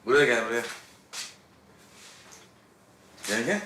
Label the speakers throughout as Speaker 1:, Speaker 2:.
Speaker 1: Buraya gel, buraya. Gel, gel.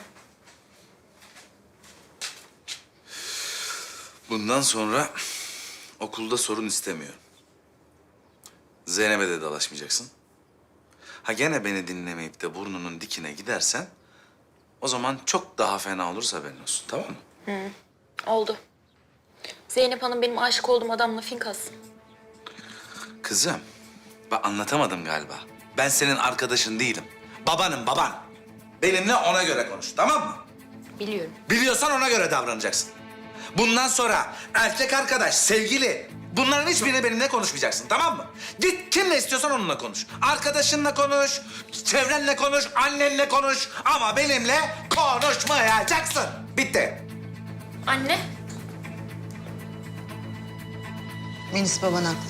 Speaker 1: Bundan sonra okulda sorun istemiyorum. Zeynep'e de dalaşmayacaksın. Ha gene beni dinlemeyip de burnunun dikine gidersen... ...o zaman çok daha fena olursa haberin olsun, tamam mı?
Speaker 2: Oldu. Zeynep Hanım benim aşık olduğum adamla finkas.
Speaker 1: Kızım, ben anlatamadım galiba. Ben senin arkadaşın değilim. Babanım, baban. Benimle ona göre konuş, tamam mı?
Speaker 2: Biliyorum.
Speaker 1: Biliyorsan ona göre davranacaksın. Bundan sonra erkek arkadaş, sevgili... ...bunların hiçbirini benimle konuşmayacaksın, tamam mı? Git kimle istiyorsan onunla konuş. Arkadaşınla konuş, çevrenle konuş, annenle konuş. Ama benimle konuşmayacaksın. Bitti.
Speaker 2: Anne.
Speaker 3: Melis baban haklı.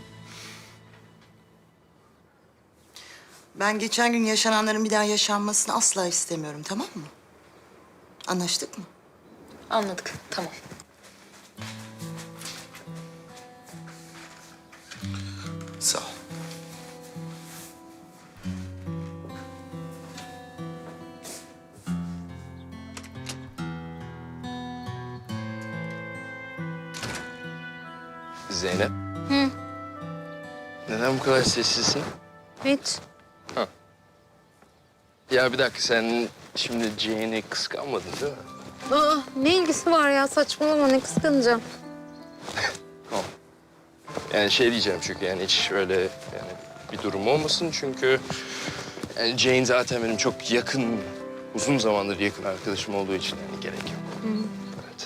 Speaker 3: Ben geçen gün yaşananların bir daha yaşanmasını asla istemiyorum, tamam mı? Anlaştık mı?
Speaker 2: Anladık. Tamam.
Speaker 1: Sağ ol.
Speaker 4: Zeynep. Hı. Neden bu kadar sessizsin?
Speaker 5: Hiç.
Speaker 4: Ya bir dakika, sen şimdi Jane'i kıskanmadın değil mi?
Speaker 5: Aa, ne ilgisi var ya? Saçmalama, ne kıskanacağım.
Speaker 4: Tamam. Yani şey diyeceğim çünkü yani hiç öyle yani bir durum olmasın çünkü... Yani Jane zaten benim çok yakın, uzun zamandır yakın arkadaşım olduğu için yani gerek yok. Evet.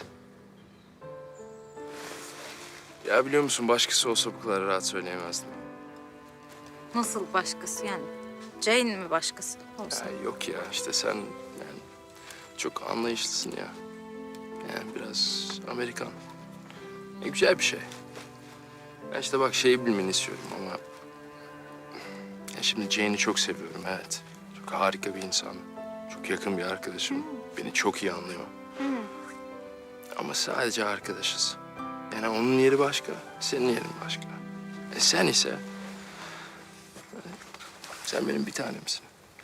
Speaker 4: Ya biliyor musun, başkası olsa bu kadar rahat söyleyemezdim.
Speaker 5: Nasıl başkası yani? Jane mi başkası olsa?
Speaker 4: Ya yok ya, işte sen yani çok anlayışlısın ya. Yani biraz Amerikan. Güzel bir şey. Ben işte bak şeyi bilmeni istiyorum ama... Ya şimdi Jane'i çok seviyorum, evet. Çok harika bir insan. Çok yakın bir arkadaşım. Beni çok iyi anlıyor. Ama sadece arkadaşız. Yani onun yeri başka, senin yerin başka. Sen ise... Sen benim bir tanemsin.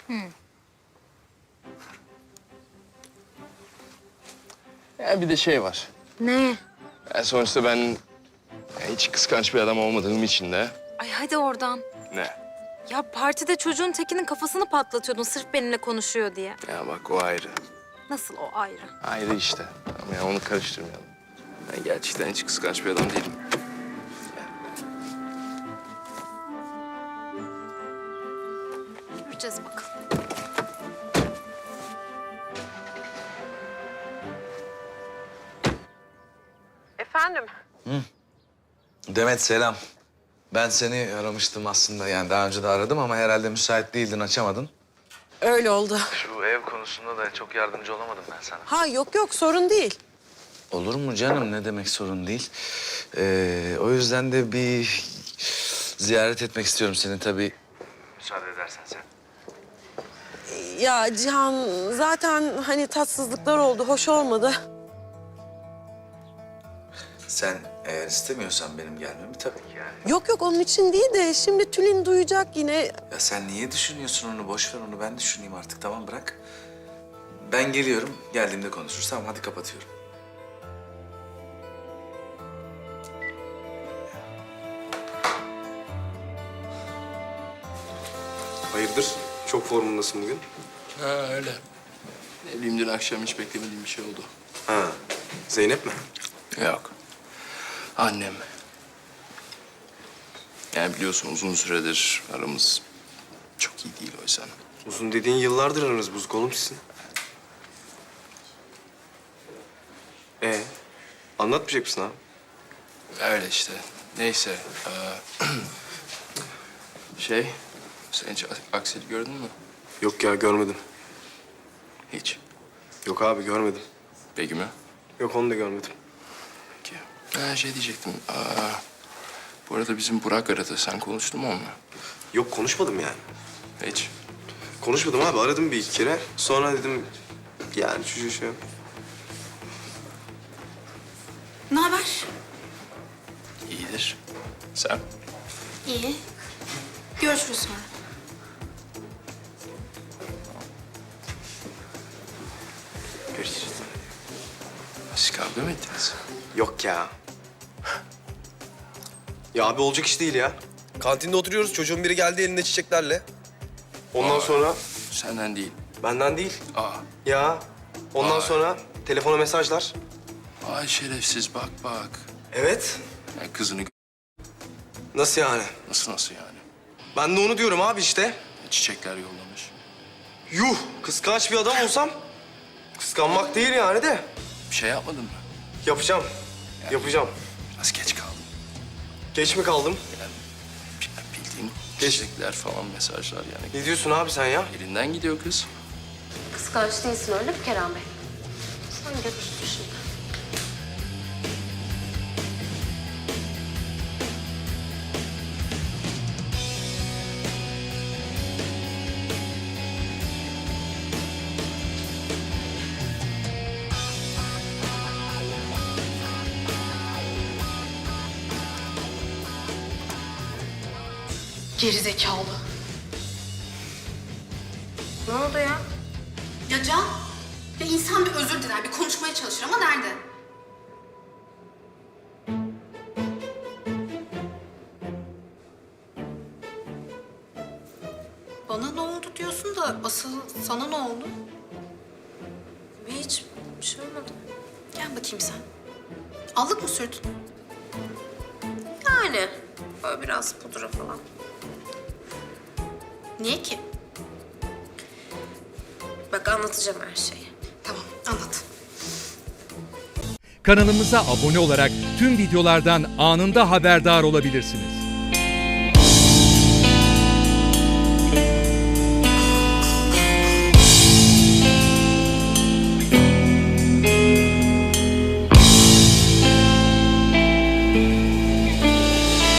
Speaker 4: Ya bir de şey var.
Speaker 5: Ne?
Speaker 4: Yani sonuçta ben hiç kıskanç bir adam olmadığım için de...
Speaker 5: Ay hadi oradan.
Speaker 4: Ne?
Speaker 5: Ya partide çocuğun tekinin kafasını patlatıyordun sırf benimle konuşuyor diye.
Speaker 4: Ya bak o ayrı.
Speaker 5: Nasıl o ayrı?
Speaker 4: Ayrı işte. Ama ya onu karıştırmayalım. Ben gerçekten hiç kıskanç bir adam değilim.
Speaker 5: Göreceğiz bakalım.
Speaker 6: Efendim?
Speaker 1: Demet selam. Ben seni aramıştım aslında, yani daha önce de aradım ama herhalde müsait değildin, açamadın.
Speaker 6: Öyle oldu.
Speaker 1: Şu ev konusunda da çok yardımcı olamadım ben sana.
Speaker 6: Ha yok sorun değil.
Speaker 1: Olur mu canım, ne demek sorun değil. O yüzden de bir ziyaret etmek istiyorum seni tabii. Müsaade edersen sen.
Speaker 6: Ya Cihan zaten hani tatsızlıklar oldu, hoş olmadı.
Speaker 1: Sen eğer istemiyorsan benim gelmemi tabii ki yani.
Speaker 6: Yok onun için değil de şimdi Tülin duyacak yine.
Speaker 1: Ya sen niye düşünüyorsun onu? Boş ver onu, ben düşüneyim artık, tamam bırak. Ben geliyorum, geldiğimde konuşuruz. Tamam hadi kapatıyorum.
Speaker 7: Hayırdır? Çok formundasın bugün.
Speaker 4: Ha öyle. Ne bileyim, dün akşam hiç beklemediğim bir şey oldu.
Speaker 7: Ha, Zeynep mi?
Speaker 4: Yok. Annem. Yani biliyorsun uzun süredir aramız çok iyi değil o yüzden.
Speaker 7: Uzun dediğin yıllardır aranız bozuk oğlum sizin. Anlatmayacak mısın abi?
Speaker 4: Öyle işte. Neyse. Şey, sen hiç Aksel'i gördün mü?
Speaker 7: Yok ya görmedim.
Speaker 4: Hiç.
Speaker 7: Yok abi görmedim.
Speaker 4: Begüm'ü?
Speaker 7: Yok onu da görmedim.
Speaker 4: Peki. Ha, şey diyecektim. Bu arada bizim Burak aradı. Sen konuştun mu onunla?
Speaker 7: Yok konuşmadım yani.
Speaker 4: Hiç.
Speaker 7: Konuşmadım abi aradım bir iki kere. Sonra dedim yani şu şey.
Speaker 8: Ne haber?
Speaker 4: İyidir. Sen?
Speaker 8: İyi. Görüşürüz sonra.
Speaker 4: Kavga mı ettiniz?
Speaker 7: Yok ya. Ya abi olacak iş değil ya. Kantinde oturuyoruz. Çocuğun biri geldi elinde çiçeklerle. Ondan sonra
Speaker 4: Senden değil.
Speaker 7: benden değil.
Speaker 4: Aa,
Speaker 7: Ya. Ondan
Speaker 4: Vay.
Speaker 7: sonra telefona mesajlar.
Speaker 4: ay şerefsiz bak bak.
Speaker 7: Evet.
Speaker 4: Ya kızını
Speaker 7: Nasıl yani?
Speaker 4: nasıl yani?
Speaker 7: Ben de onu diyorum abi işte.
Speaker 4: Çiçekler yollamış.
Speaker 7: Yuh! Kıskanç bir adam olsam kıskanmak değil yani de.
Speaker 4: Bir şey yapmadın mı?
Speaker 7: Yapacağım. Yapacağım.
Speaker 4: Biraz geç kaldım.
Speaker 7: Geç mi kaldım?
Speaker 4: Yani bildiğin
Speaker 7: Geç.
Speaker 4: çiçekler falan mesajlar yani.
Speaker 7: Ne diyorsun abi sen ya?
Speaker 4: Elinden gidiyor kız.
Speaker 9: Kıskanç değilsin öyle mi Kerem Bey? Sen götürsün şimdi.
Speaker 8: Gerizekalı.
Speaker 9: Ne oldu ya?
Speaker 8: Ya Can, ya insan bir özür diler, bir konuşmaya çalışır ama nerede? Bana ne oldu diyorsun da asıl sana ne oldu?
Speaker 9: Hiç bir şey olmadı.
Speaker 8: Gel bakayım sen. Allık mı sürdün?
Speaker 9: Yani böyle biraz pudra falan.
Speaker 8: Niye ki?
Speaker 9: Bak anlatacağım her şeyi.
Speaker 8: Tamam, anlat.
Speaker 10: Kanalımıza abone olarak tüm videolardan anında haberdar olabilirsiniz.